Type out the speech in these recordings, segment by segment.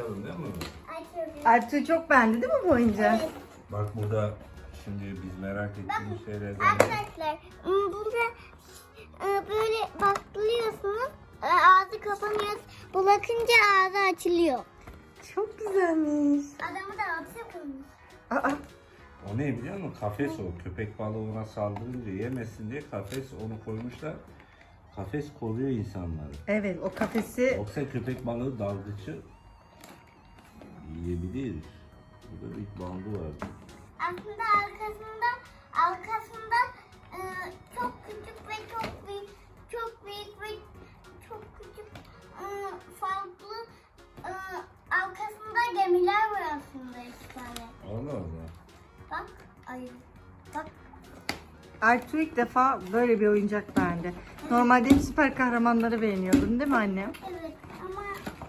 Açalım değil mi? Açıyoruz. Ertuğ çok beğendi değil mi bu oyuncağı? Evet. Bak burada şimdi biz merak ettiğimiz şeylerden. Arkadaşlar burada böyle baklıyorsunuz. Ağzı kapanıyor. Bırakınca ağzı açılıyor. Çok güzelmiş. Adamı da hapse koymuş. Aa, O ne biliyor musun? Kafes o. Köpek balığı ona saldırınca yemesin diye kafes onu koymuşlar. Kafes koruyor insanları. evet o kafesi Yoksa köpek balığı dalgıcı yiyebilir. Burada bir bandı var. Aslında arkasında çok küçük ve çok büyük ve çok küçük farklı arkasında gemiler var aslında 2 tane. Allah Allah. Bak ayı. Bak. Ertuğ ilk defa böyle bir oyuncak beğendi. Normalde hep süper kahramanları beğeniyordun değil mi annem? Evet ama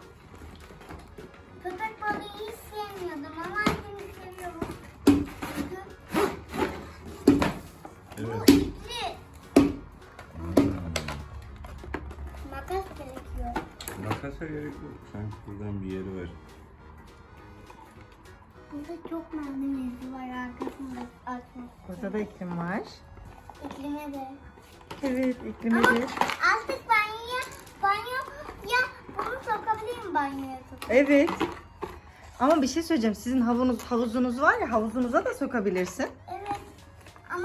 köpek balığı hiç sevmiyordum ama şimdi seviyorum. Çünkü bu Evet. ipli. Makas gerekiyor. Makasa gerek yok. Sanki buradan bir yeri var. Burada çok malzemesi var arkasında açmak. Burada da iklim var. İklime de. Evet iklime Ama de. artık banyoya bunu sokabilirim banyoya sokup. Evet. Ama bir şey söyleyeceğim. Sizin havuzunuz var ya, havuzunuza da sokabilirsin. Evet ama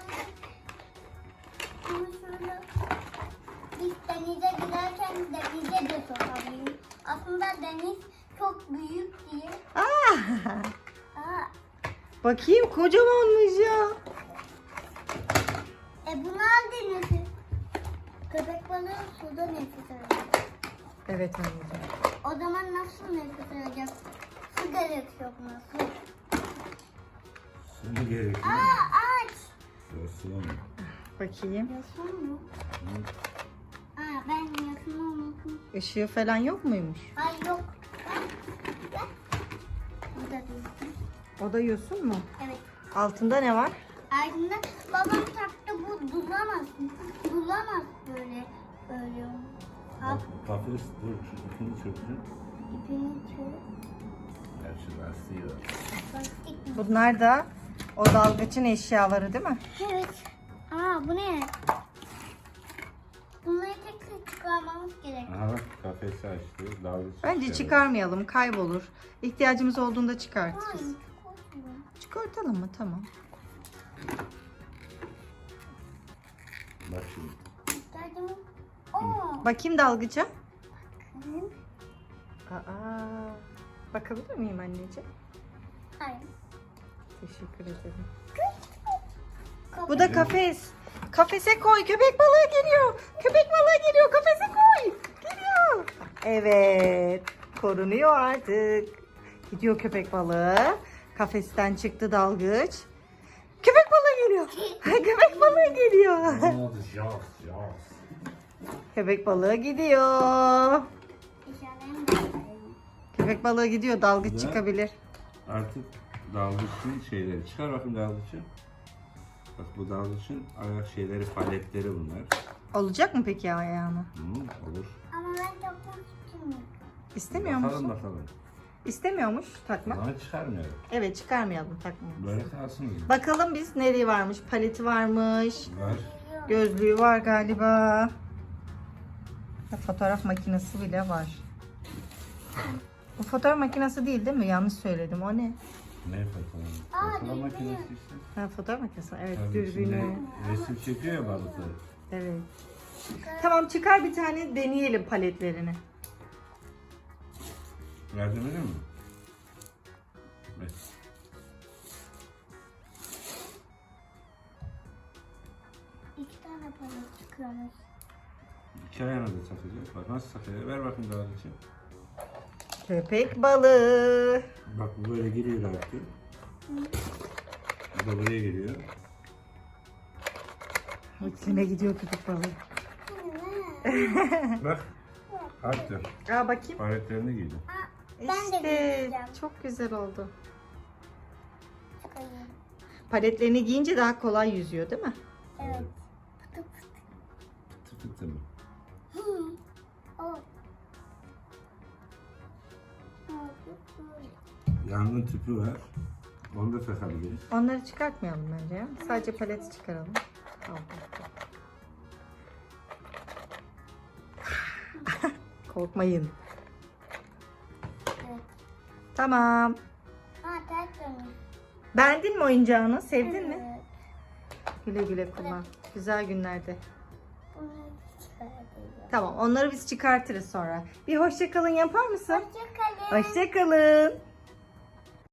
şöyle biz denize giderken denize de sokabilirim. Aslında deniz çok büyük diye. Aa, Aa, bakayım kocamanmış ya. bunu al denizi. Köpek balığı suda nefes alıyor. Evet anneciğim. O zaman nasıl nefes alacak? Su gerekiyor buna su. Şimdi gerekiyor. Aç. Yosun. Bakayım. Yasun mu? Ben yasunu unuttum. Işığı falan yok muymuş? Ay yok. Gel. Burada değil. O da yosun mu? Evet. Altında ne var? Ardında babam taktı bu dulamaz. Dulamaz böyle. Al Kafes dur şu ipini çöktün. ipini çöz. Ya şu lastiği var. Lastik mi? Bunlar da o dalgıçın eşyaları değil mi? Evet. Bu ne? Bunları tek çıkarmamız gerek. Aha bak kafesi açtı. Dalgıç Bence çıkarıyor. çıkarmayalım, kaybolur. İhtiyacımız olduğunda çıkartırız. Ay, çok korkmuyor. Çıkartalım mı? Tamam. Bak şimdi. İhtiyacımız. Oo. Bakayım dalgıca. Hı. Aa, bakabilir miyim anneciğim? Hayır. Teşekkür ederim. Kapı. Bu da kafes. Kafese koy. Köpek balığı geliyor. Köpek balığı geliyor. Kafese koy. Geliyor. Evet. Korunuyor artık. Gidiyor köpek balığı. Kafesten çıktı dalgıç. Köpek balığı geliyor. Köpek balığı geliyor. Ne oldu? Yaz. Köpek balığı gidiyor. İşaretlerini de koyalım. Köpek balığı gidiyor. Dalgıç Ne? çıkabilir. Artık dalgıçın şeyleri. Çıkar bakayım dalgıçı. Bak bu dalgıçın ayak şeyleri, paletleri bunlar. Olacak mı peki ayağını? Olur. Ama ben çok korkmuyorum. İstemiyor Bakalım musun? bakalım. İstemiyormuş takmak. Ama çıkarmıyorum. Evet çıkarmayalım takmayalım. Böyle kalsın mı? Bakalım biz nereye varmış? Paleti varmış. Var. Gözlüğü var galiba. Fotoğraf makinesi bile var. Bu fotoğraf makinesi değil mi? Yanlış söyledim. O ne? Ne fotoğraf? Fotoğraf dürbün. makinesi işte. Ha, fotoğraf makinesi. Evet, Tabii dürbünü. içinde resim çekiyor ya balıkları. Evet. Tamam çıkar bir tane deneyelim paletlerini. Yardım edin mi? Evet. İki tane para çıkıyormuş. İki ayağına da takacak. Bak nasıl takıyor? Ver bakayım dalgıçı. Köpek balığı. Bak bu böyle giriyor artık. Bu da buraya geliyor. İklime gidiyor köpek balığı. Bak. Hatta Aa bakayım. paletlerini giydi. Ben de İşte deneyeceğim. çok güzel oldu. Çıkarayım. Paletlerini giyince daha kolay yüzüyor değil mi? Evet. Pıtı pıtı. Tık tık tık mı? Hı. O. Yangın tüpü var. Onu da takabiliriz. Onları çıkartmayalım bence ya. Sadece paleti çıkaralım. Korkmayın. Evet. Tamam. Ha tertemiz. Beğendin mi oyuncağını? Sevdin mi? Evet. Güle güle kullan. Güzel günlerde. Bunu çıkartacağım. Tamam, onları biz çıkartırız sonra. Bir hoşça kalın yapar mısın? Hoşça kalın. Hoşça kalın.